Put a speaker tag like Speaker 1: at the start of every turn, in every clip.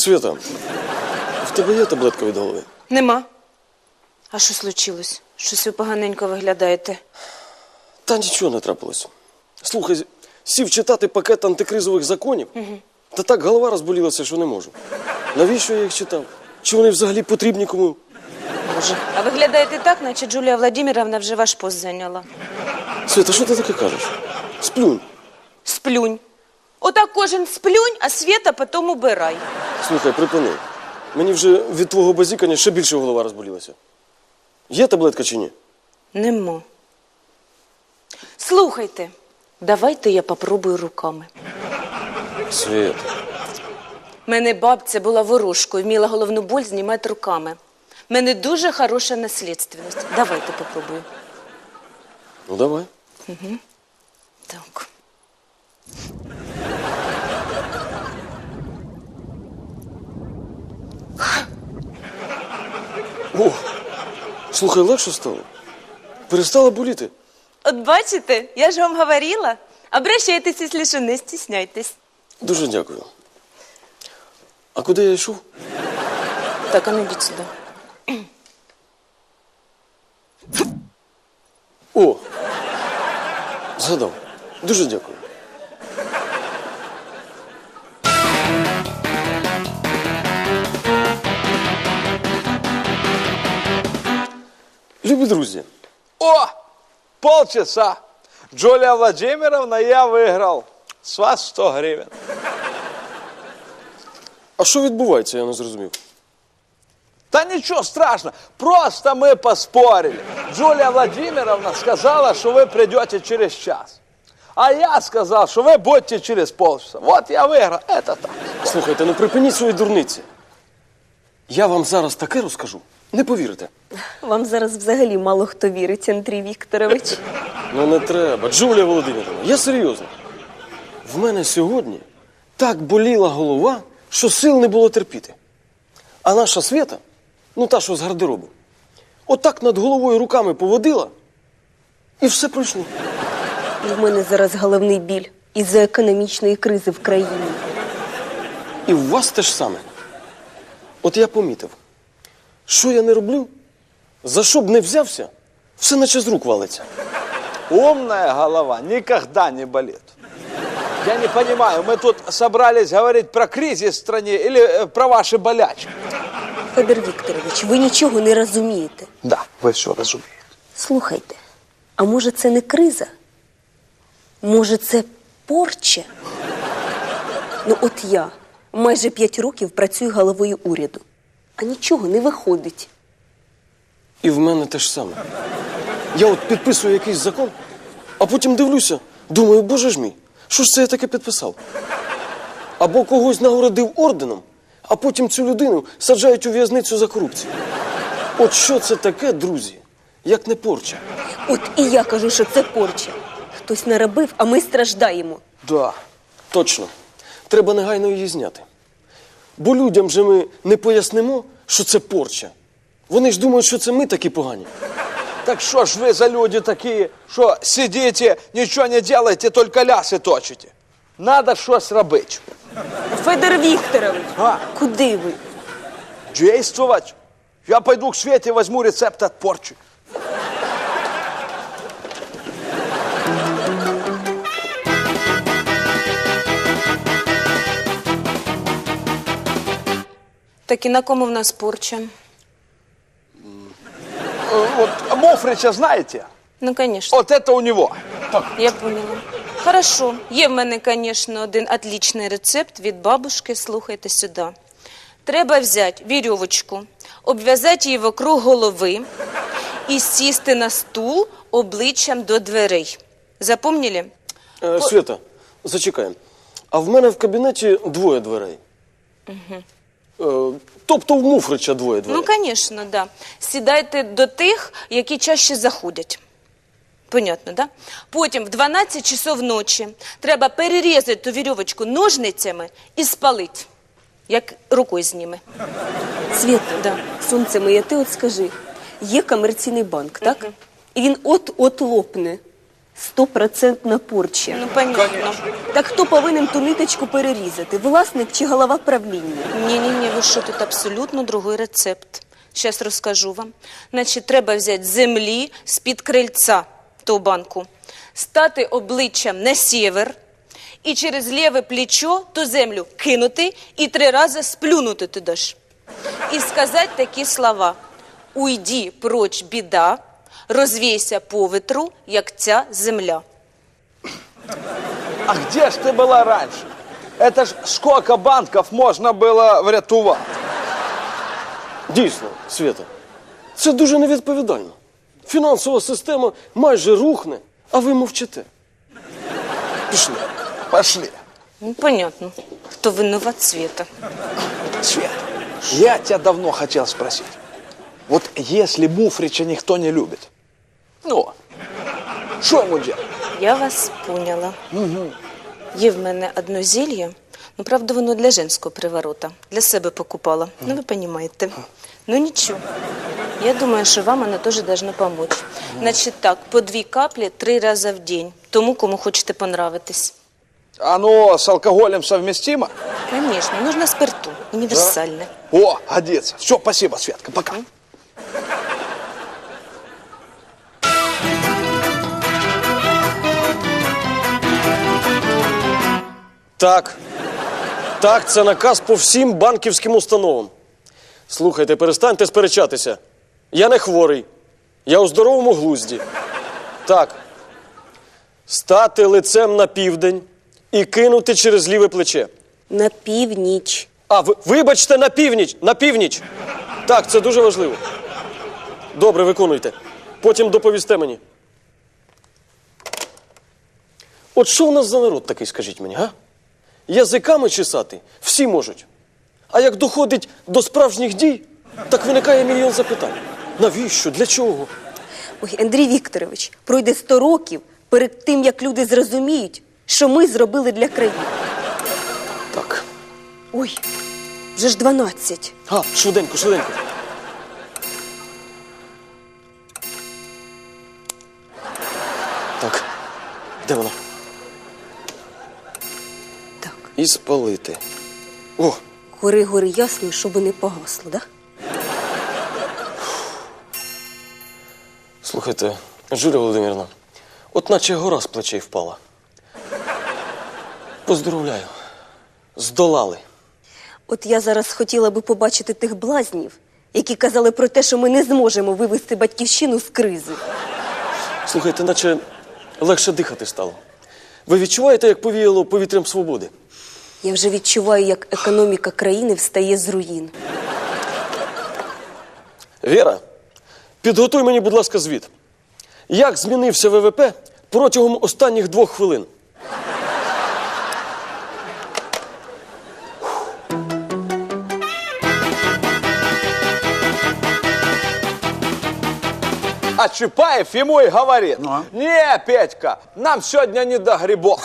Speaker 1: Свята, в тебе є таблетка від голови?
Speaker 2: Нема. А що случилось? Щось ви поганенько виглядаєте.
Speaker 1: Та нічого не трапилось. Слухай, сів читати пакет антикризових законів, та так голова розболілася, що не можу. Навіщо я їх читав? Чи вони взагалі потрібні кому?
Speaker 2: Боже. А виглядаєте так, наче Джулія Владимировна вже ваш пост зайняла.
Speaker 1: Свята, що ти таке кажеш? Сплюнь.
Speaker 2: Сплюнь. Отак кожен сплюнь, а Света потім убирай.
Speaker 1: Слухай, припини. Мені вже від твого базікання ще більше голова розболілася. Є таблетка чи ні?
Speaker 2: Нема. Слухайте, давайте я попробую руками.
Speaker 1: Свята.
Speaker 2: Мене бабця була ворожкою, вміла головну боль знімати руками. Мене дуже хороша наслідственність. Давайте попробую.
Speaker 1: Ну, давай.
Speaker 2: Так.
Speaker 1: О, слухай, легше стало. Перестала боліти.
Speaker 2: От бачите, я ж вам говорила. Обращайтесь, якщо що, не стісняйтесь.
Speaker 1: Дуже дякую. А куди я йшов?
Speaker 2: Так, а ну йдіть сюди.
Speaker 1: О, згадав. Дуже дякую. Любі друзі,
Speaker 3: О! Полчаса. Джулия Владимировна, я выиграл. С вас 100 гривен.
Speaker 1: а що відбувається, я не зрозумів.
Speaker 3: Да ничего страшного. Просто мы поспорили. Джулия Владимировна сказала, что вы придете через час. А я сказал, что вы будете через полчаса. Вот я выиграл. Это так.
Speaker 1: Слухайте, ну припиніть свої дурниці. Я вам зараз таке розкажу. Не повірите.
Speaker 4: Вам зараз взагалі мало хто вірить, Андрій Вікторович.
Speaker 1: Ну не треба. Джулія Володимирівна, я серйозно. В мене сьогодні так боліла голова, що сил не було терпіти. А наша Свята, ну та, що з гардеробу, отак над головою руками поводила, і все пройшло.
Speaker 4: У мене зараз головний біль із-за економічної кризи в країні.
Speaker 1: І в вас те ж саме. От я помітив, що я не роблю, за що б не взявся, все наче з рук валиться.
Speaker 3: Умная голова никогда не болит. Я не понимаю, мы тут собрались говорить про кризис в стране или про ваши болячки?
Speaker 4: Федор Вікторович, ви нічого не розумієте.
Speaker 3: Да, вы все разумеете.
Speaker 4: Слухайте, а може це не криза? Може це порча? Ну от я майже 5 років працюю головою уряду, а нічого не виходить.
Speaker 1: І в мене те ж саме. Я от підписую якийсь закон, а потім дивлюся, думаю, боже ж мій, що ж це я таке підписав? Або когось нагородив орденом, а потім цю людину саджають у в'язницю за корупцію. От що це таке, друзі, як не порча?
Speaker 4: От і я кажу, що це порча. Хтось наробив, а ми страждаємо.
Speaker 1: Да. Точно. Треба негайно її зняти. Бо людям же ми не пояснимо, що це порча. Вони ж думають, що це ми такі погані.
Speaker 3: Так что ж вы за люди такие, что сидите, ничего не делаете, только лясы точите? Надо что-то робить.
Speaker 4: Федор Вікторович,
Speaker 3: А?
Speaker 4: куди ви?
Speaker 3: Действовать. Я пойду к Свете, возьму рецепт от порчи.
Speaker 2: Так і на кому в нас порча?
Speaker 3: Вот Мофрича знаете?
Speaker 2: Ну, конечно.
Speaker 3: Вот это у него.
Speaker 2: Я поняла. Хорошо. Є в мене, звісно, один отличний рецепт від бабушки. Слухайте сюди. Треба взяти вірьовочку, обв'язати її вокруг голови і сісти на стул обличчям до дверей. Запомнили?
Speaker 1: Свята, зачекаємо. А в мене в кабінеті 2 дверей. Тобто в Муфрича 2 дверей.
Speaker 2: Ну, звісно, да. Сідайте до тих, які чаще заходять. Понятно, да? Потім в 12 часов ночі треба перерізати ту вірьовочку ножницями і спалити, як рукою зніме.
Speaker 4: Світа,
Speaker 2: Да.
Speaker 4: сонце моє, ти от скажи, є комерційний банк, так? І він от-от лопне. 100% порча.
Speaker 2: Ну, понятно.
Speaker 4: Так хто повинен ту ниточку перерізати? Власник чи голова правління?
Speaker 2: Ні-ні-ні, ви що, тут абсолютно другий рецепт. Зараз розкажу вам. Значить, треба взяти землі з-під крильця ту банку, стати обличчям на сєвер і через ліве плечо ту землю кинути і 3 рази сплюнути туди ж. І сказати такі слова: «Уйди проч, біда, розвійся по ветру, як ця земля».
Speaker 3: А где ж ты была раньше? Это ж сколько банков можно было врятувати?
Speaker 1: Дійсно, Свята, це дуже невідповідально. Фінансова система майже рухне, а ви мовчите. Пішли.
Speaker 3: Пошли.
Speaker 2: Ну, понятно, хто винуват Света.
Speaker 3: Свет, я тебя давно хотел спросить. Вот если Муфрича никто не любит, ну, что ему делать?
Speaker 2: Я вас поняла. Є в мене одно зелье, ну, правда, воно для женського приворота. Для себе покупала. Ну, ви розумієте. Ну, нічого. Я думаю, що вам воно теж должно помочь. Значить так, по 2 каплі 3 рази в день. Тому, кому хочете понравитись.
Speaker 3: Оно с алкоголем совместимо?
Speaker 2: Конечно, нужно спирту. Універсальне.
Speaker 3: О, годится. Все, спасибо, Светка, пока.
Speaker 1: Так. Так, це наказ по всім банківським установам. Слухайте, перестаньте сперечатися. Я не хворий. Я у здоровому глузді. Так. Стати лицем на південь і кинути через ліве плече.
Speaker 4: На північ.
Speaker 1: А, вибачте, на північ! На північ! Так, це дуже важливо. Добре, виконуйте. Потім доповісте мені. От що в нас за народ такий, скажіть мені, га? Язиками чесати всі можуть. А як доходить до справжніх дій, так виникає мільйон запитань. Навіщо? Для чого?
Speaker 4: Ой, Андрій Вікторович, пройде 100 років перед тим, як люди зрозуміють, що ми зробили для країни.
Speaker 1: Так.
Speaker 4: Ой, вже ж 12.
Speaker 1: А, швиденько, швиденько. Так, де вона?
Speaker 4: Так,
Speaker 1: І спалити. О,
Speaker 4: гори ясно, щоб не погасло, да?
Speaker 1: слухайте, Жуля Володимирівна, от наче гора з плечей впала. Поздоровляю. Здолали.
Speaker 4: От я зараз хотіла би побачити тих блазнів, які казали про те, що ми не зможемо вивести батьківщину з кризи.
Speaker 1: Слухайте, наче легше дихати стало. Ви відчуваєте, як повіяло повітрям свободи?
Speaker 4: Я вже відчуваю, як економіка країни встає з руїн.
Speaker 1: Віра, підготуй мені, будь ласка, звіт. Як змінився ВВП протягом останніх 2 хвилин?
Speaker 3: А Чапаев ему и говорит: не, Петька, нам сегодня не до грибов.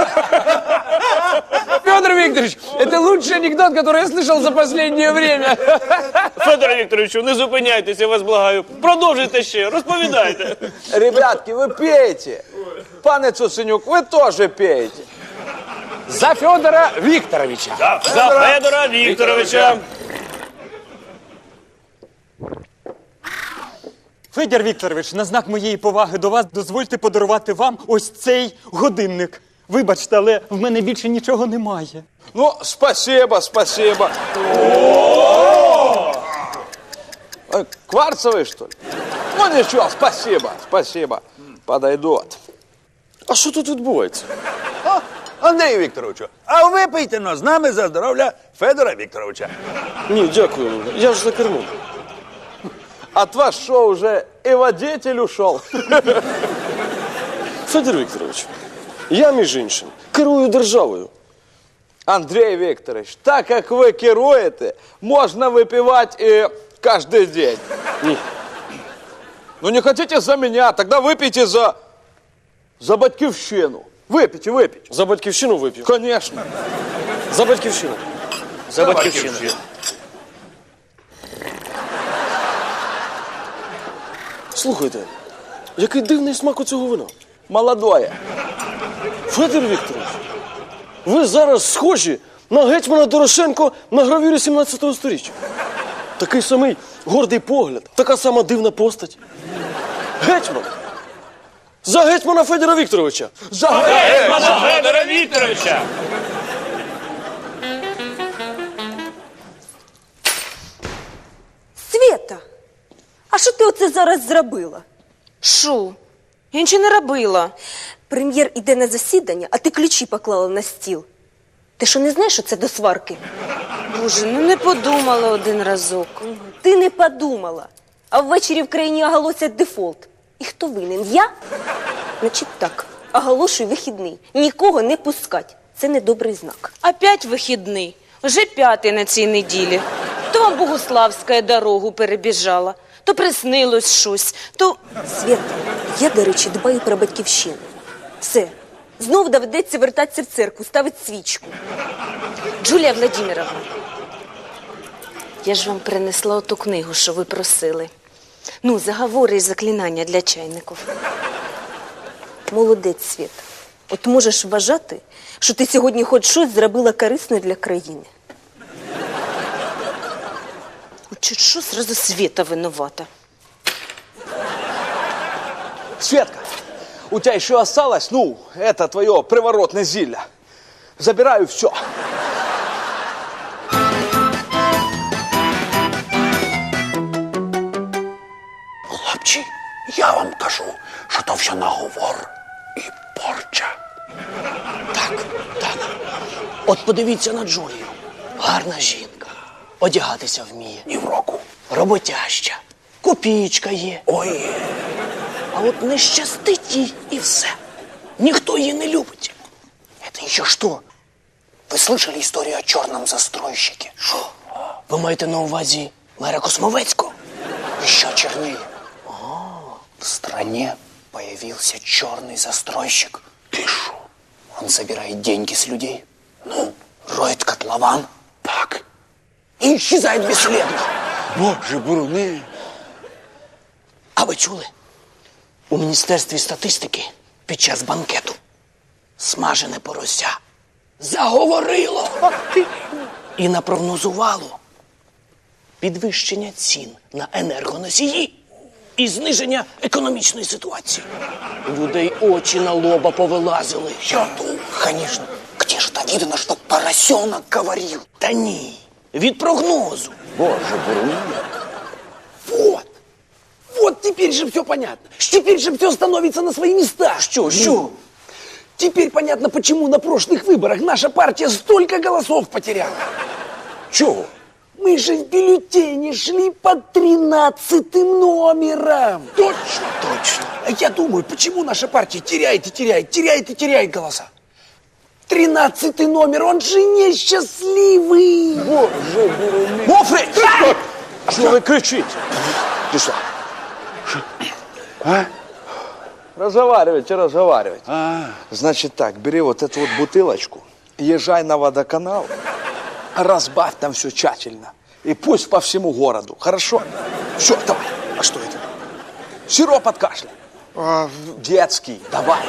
Speaker 5: Федор Викторович, это лучший анекдот, который я слышал за последнее время.
Speaker 6: Федоре Вікторовичу, не зупиняйтесь, я вас благаю. Продовжуйте ще, розповідайте.
Speaker 3: Ребятки, вы пейте. Пане Цуценюк, вы тоже пейте.
Speaker 5: За Федора Викторовича.
Speaker 6: За Федора Вікторовича.
Speaker 7: Федір Вікторович, на знак моєї поваги до вас дозвольте подарувати вам ось цей годинник. Вибачте, але в мене більше нічого немає.
Speaker 3: Ну, спасибо, спасибо. Кварцевый, что ли? Ну, ничего, спасибо, спасибо. Подойдут.
Speaker 1: А що тут відбувається?
Speaker 8: Андрію Вікторовичу, а випийте но з нами за здоров'я Федора Вікторовича.
Speaker 1: Ні, дякую. Я ж за кермом.
Speaker 3: От вас что, уже и водитель ушел?
Speaker 1: Федір Вікторович, я, між іншим, керую державою.
Speaker 3: Андрей Викторович, так как вы керуете, можно выпивать и каждый день.
Speaker 1: Ні.
Speaker 3: Ну не хотите за меня, тогда выпейте за батьківщину. Выпейте, выпейте.
Speaker 1: За батьківщину вип'ю.
Speaker 3: Конечно.
Speaker 1: За батьківщину.
Speaker 6: За батьківщину.
Speaker 1: Слухайте, який дивний смак у цього вина.
Speaker 3: молодое.
Speaker 1: Федір Вікторович, ви зараз схожі на гетьмана Дорошенко на гравюрі 17-го сторіччя. Такий самий гордий погляд, така сама дивна постать. Гетьман! За гетьмана Федора Вікторовича!
Speaker 6: Гетьмана Федора Вікторовича!
Speaker 4: Свєта, а що ти оце зараз зробила?
Speaker 2: Шо? Я нічого не робила.
Speaker 4: Прем'єр іде на засідання, а ти ключі поклала на стіл. Ти що не знаєш, що це до сварки?
Speaker 2: Боже, ну не подумала один разок.
Speaker 4: Ти не подумала. А ввечері в країні оголосять дефолт. І хто винен? Я? Значить так, оголошую вихідний. Нікого не пускать. Це недобрий знак.
Speaker 2: Опять вихідний. Вже 5-й на цій неділі. То вам Богуславська дорогу перебіжала, то приснилось щось, то...
Speaker 4: Свєта, я, до речі, дбаю про батьківщину. Все. Знов доведеться вертатися в церкву, ставити свічку.
Speaker 2: Джулія Владимировна, я ж вам принесла оту книгу, що ви просили. Ну, заговори і заклинання для чайників.
Speaker 4: Молодець, Свєта. От можеш вважати, що ти сьогодні хоч щось зробила корисне для країни.
Speaker 2: От чуть що, сразу Свєта винувата.
Speaker 3: Светка, у тебя еще осталось, ну, это твое приворотное зелье. Забираю все.
Speaker 8: Хлопці, я вам кажу, що то все наговор і порча.
Speaker 9: Так. От подивіться на Джулію. Гарна жінка. Одягатися вміє.
Speaker 8: І в року.
Speaker 9: Роботяща. Копійка є.
Speaker 8: Ой,
Speaker 9: А от не щастить їй і все. Ніхто її не любить.
Speaker 8: это еще что? Вы слышали историю о черном застройщике?
Speaker 9: Що? Ви маєте на увазі мера Космовецького?
Speaker 8: Еще чернее. В стране появился черный застройщик. Ты шо? Он собирает деньги с людей. Ну, роет котлован. Так. И исчезает бесследно. Боже, буруни.
Speaker 9: А ви чули? У Міністерстві статистики під час банкету смажене порося заговорило і напрогнозувало підвищення цін на енергоносії і зниження економічної ситуації. У людей очі на лоба повилазили.
Speaker 8: Я думаю, конечно. Где же это видно, что поросенок говорил?
Speaker 9: Та ні, від прогнозу.
Speaker 8: Боже, буруни.
Speaker 5: Вот теперь же все понятно. Теперь же все становится на свои места.
Speaker 9: Що?
Speaker 5: Теперь понятно, почему на прошлых выборах наша партия столько голосов потеряла.
Speaker 8: Чего?
Speaker 5: Мы же в бюллетене шли под 13-м номером.
Speaker 8: Точно, точно.
Speaker 5: А я думаю, почему наша партия теряет голоса. 13-й номер, он же несчастливый.
Speaker 3: Боже, буруни. Мофри! Що ви кричите? Ти що?
Speaker 8: А?
Speaker 3: Разговаривать. Значит так, бери вот эту вот бутылочку, езжай на водоканал, разбавь там все тщательно. И пусть по всему городу. Хорошо? Все, давай. А что это? Сироп от кашля. Детский. Давай.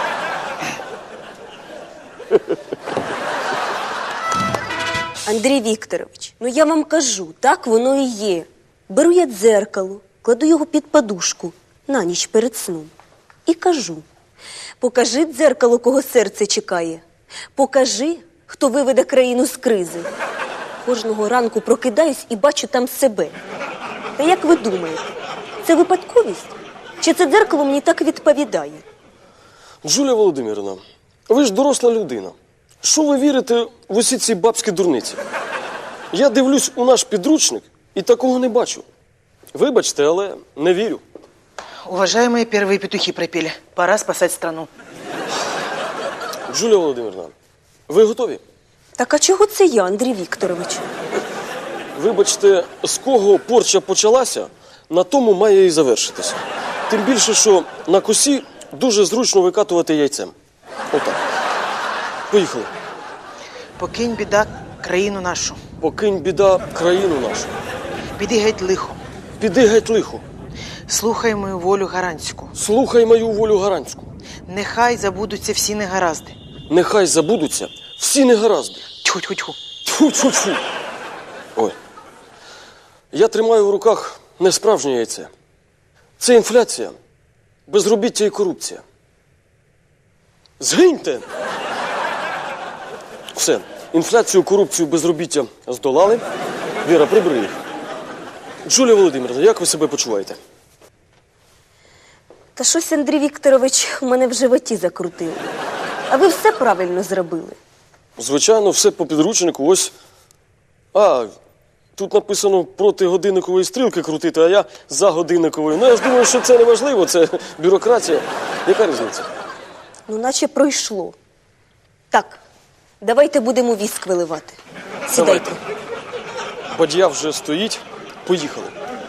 Speaker 4: Андрій Вікторович, ну я вам кажу, так воно і є. Беру я дзеркало, кладу його під подушку на ніч перед сном. І кажу, покажи дзеркало, кого серце чекає. Покажи, хто виведе країну з кризи. Кожного ранку прокидаюсь і бачу там себе. Та як ви думаєте, це випадковість? Чи це дзеркало мені так відповідає?
Speaker 1: Джулія Володимирівна, ви ж доросла людина. Що ви вірите в усі ці бабські дурниці? Я дивлюсь у наш підручник і такого не бачу. Вибачте, але не вірю.
Speaker 10: Уважаемые, первые петухи пропели. Пора спасать страну.
Speaker 1: Джулія Володимирівна, ви готові?
Speaker 4: Так а чого це я, Андрій Вікторович?
Speaker 1: Вибачте, з кого порча почалася, на тому має і завершитися. Тим більше, що на косі дуже зручно викатувати яйцем. Отак. Поїхали.
Speaker 10: Покинь, біда, країну нашу.
Speaker 1: Покинь, біда, країну нашу.
Speaker 10: Піди геть лихо.
Speaker 1: Піди геть лихо.
Speaker 10: Слухай мою волю гаранську.
Speaker 1: Слухай мою волю гаранську.
Speaker 10: Нехай забудуться всі негаразди.
Speaker 1: Нехай забудуться всі негаразди.
Speaker 10: Тьху-тьху-тьху.
Speaker 1: Тьфу-тьфу-тьфу. Ой. Я тримаю в руках не справжнє яйце. Це інфляція, безробіття і корупція. Згиньте! Все. Інфляцію, корупцію, безробіття здолали. Віра, прибери їх. Джулія Володимирівна, як ви себе почуваєте?
Speaker 4: Та щось, Андрій Вікторович, у мене в животі закрутило. А ви все правильно зробили.
Speaker 1: Звичайно, все по підручнику. Ось. А, тут написано проти годинникової стрілки крутити, а я за годинниковою. Ну, я ж думаю, що це не важливо, це бюрократія. Яка різниця?
Speaker 4: Ну, наче пройшло. Так, давайте будемо віск виливати. Сідайте.
Speaker 1: Бадья вже стоїть. Поїхали.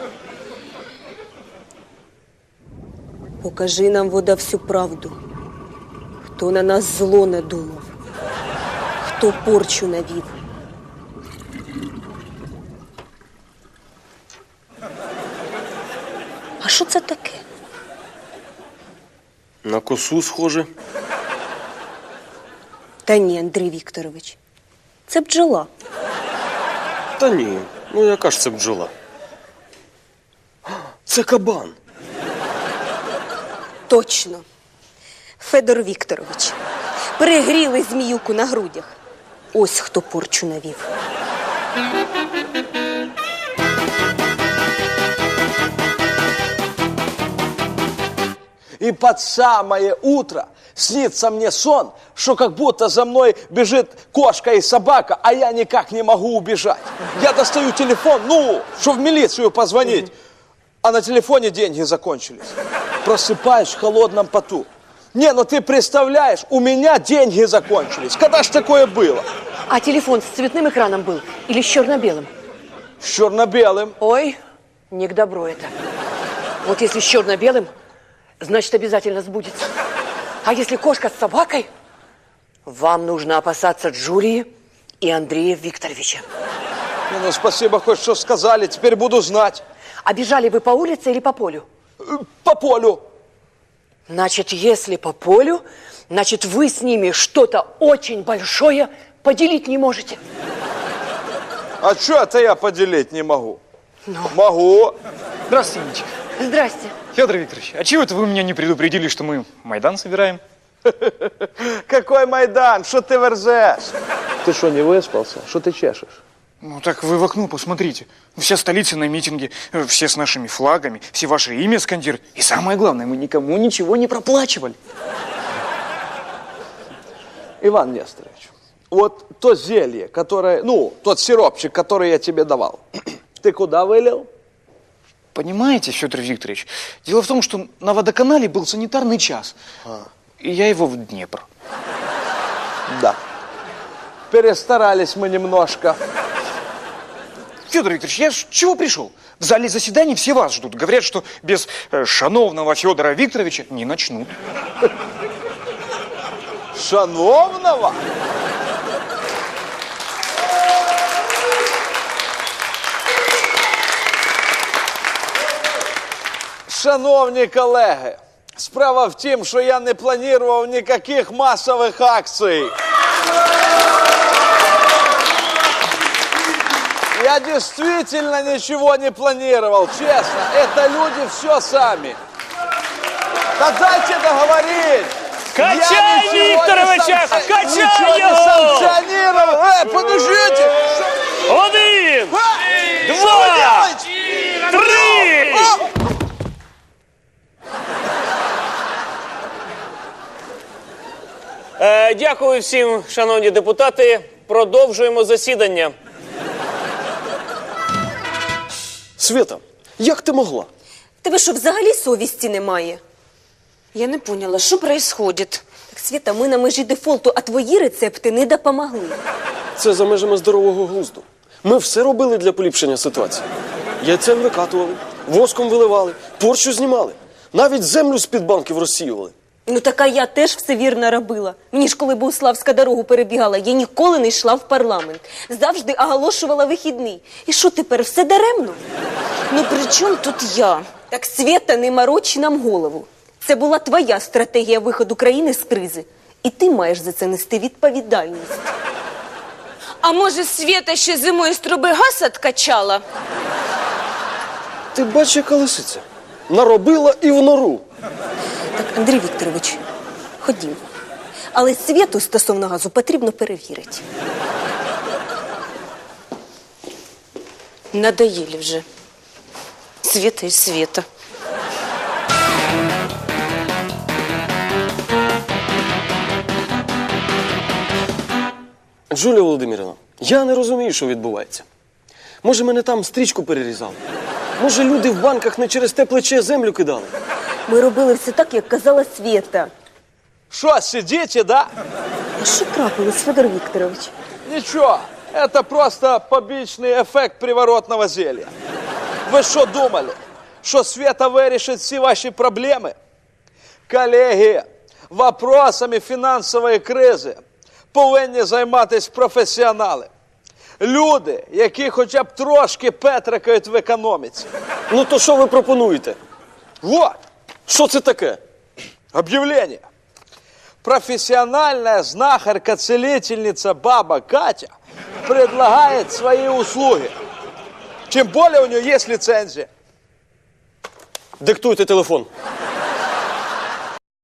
Speaker 4: Покажи нам, вода, всю правду. Хто на нас зло надумав? Хто порчу навів? А що це таке?
Speaker 1: На косу схоже.
Speaker 4: Та ні, Андрій Вікторович, це бджола.
Speaker 1: Та ні, ну яка ж це бджола? Це кабан.
Speaker 4: Точно. Федор Вікторович, перегріли зміюку на грудях. Ось хто порчу навів.
Speaker 3: И под самое утро снится мне сон, что как будто за мной бежит кошка и собака, а я никак не могу убежать. Я достаю телефон, что в милицию позвонить, а на телефоне деньги закончились. Просыпаюсь в холодном поту. Не, ну ты представляешь, у меня деньги закончились. Когда ж такое было?
Speaker 9: А телефон с цветным экраном был или с черно-белым?
Speaker 3: С черно-белым.
Speaker 9: Ой, не к добру это. Вот если с черно-белым, значит, обязательно сбудется. А если кошка с собакой, вам нужно опасаться Джулии и Андрея Викторовича.
Speaker 3: Не, ну спасибо, хоть что сказали, теперь буду знать.
Speaker 9: А бежали вы по улице или по полю?
Speaker 3: По полю.
Speaker 9: Значит, если по полю, значит, вы с ними что-то очень большое поделить не можете.
Speaker 3: А что это я поделить не могу? Могу.
Speaker 7: Здравствуйте, Ничка.
Speaker 9: Здрасте.
Speaker 7: Федор Викторович, а чего это вы меня не предупредили, что мы Майдан собираем?
Speaker 3: Какой Майдан? Что ты верзешь? Ты что, не выспался? Что ты чешешь?
Speaker 11: Ну так вы в окно посмотрите. Вся столица на митинге, все с нашими флагами, все ваше имя скандируют. И самое главное, мы никому ничего не проплачивали.
Speaker 3: Иван Несторович, вот то зелье, которое, тот сиропчик, который я тебе давал, ты куда вылил?
Speaker 11: Понимаете, Федор Викторович, дело в том, что на водоканале был санитарный час, и я его в Днепр.
Speaker 3: Да. Перестарались мы немножко.
Speaker 11: Федор Викторович, я с чего пришел? В зале заседаний все вас ждут. Говорят, что без шановного Федора Викторовича не начнут.
Speaker 3: Шановного? Шановні колеги, справа в тім, що я не планував ніяких масових акцій. Я действительно ничего не планировал, честно. Это люди все сами. Да дайте договорить.
Speaker 6: Качай Викторовича! Качай
Speaker 3: Ничего не
Speaker 6: его!
Speaker 3: санкционировал. Подождите!
Speaker 6: 1, 2, 3! Дякую всім, шановні депутати. Продовжуємо засідання.
Speaker 1: Свята, як ти могла?
Speaker 4: Тебе що, взагалі совісті немає?
Speaker 2: Я не поняла, що происходит?
Speaker 4: Так, Свята, ми на межі дефолту, а твої рецепти не допомогли.
Speaker 1: Це за межами здорового глузду. Ми все робили для поліпшення ситуації. Яйцем викатували, воском виливали, порчу знімали. Навіть землю з-під банків розсіювали.
Speaker 4: Ну, така я теж все вірно робила. Мені ж коли Богуславська дорогу перебігала, я ніколи не йшла в парламент. Завжди оголошувала вихідний. І що тепер, все даремно?
Speaker 2: Ну при чому тут я?
Speaker 4: Так, Свята, не морочи нам голову. Це була твоя стратегія виходу країни з кризи. І ти маєш за це нести відповідальність.
Speaker 2: А може, Свєта ще зимою з труби газ откачала?
Speaker 1: Ти бачиш, яка лисиця? Наробила і в нору.
Speaker 4: Так, Андрій Вікторович, ходім. Але Свєту стосовно газу потрібно перевірити.
Speaker 2: Надоїли вже. Свєта і Свєта.
Speaker 1: Джулія Володимирівна, я не розумію, що відбувається. Може, мене там стрічку перерізали? Може, люди в банках не через те плече землю кидали?
Speaker 4: Ми робили все так, як казала Свєта.
Speaker 3: Что, сидите, да?
Speaker 4: А що трапилось, Федор Вікторович?
Speaker 3: Ничего, это просто побічний ефект приворотного зелья. Ви що думали, що Света вирішить всі ваші проблеми? Колеги, вопросами фінансової кризи повинні займатися професіонали. Люди, які хоча б трошки петрикають в економіці.
Speaker 1: Ну то що ви пропонуєте?
Speaker 3: Вот,
Speaker 1: Що це таке?
Speaker 3: объявление. Профессиональная знахарка-целительница баба Катя предлагает свои услуги. Тем более у нее есть лицензия.
Speaker 1: Диктуйте телефон.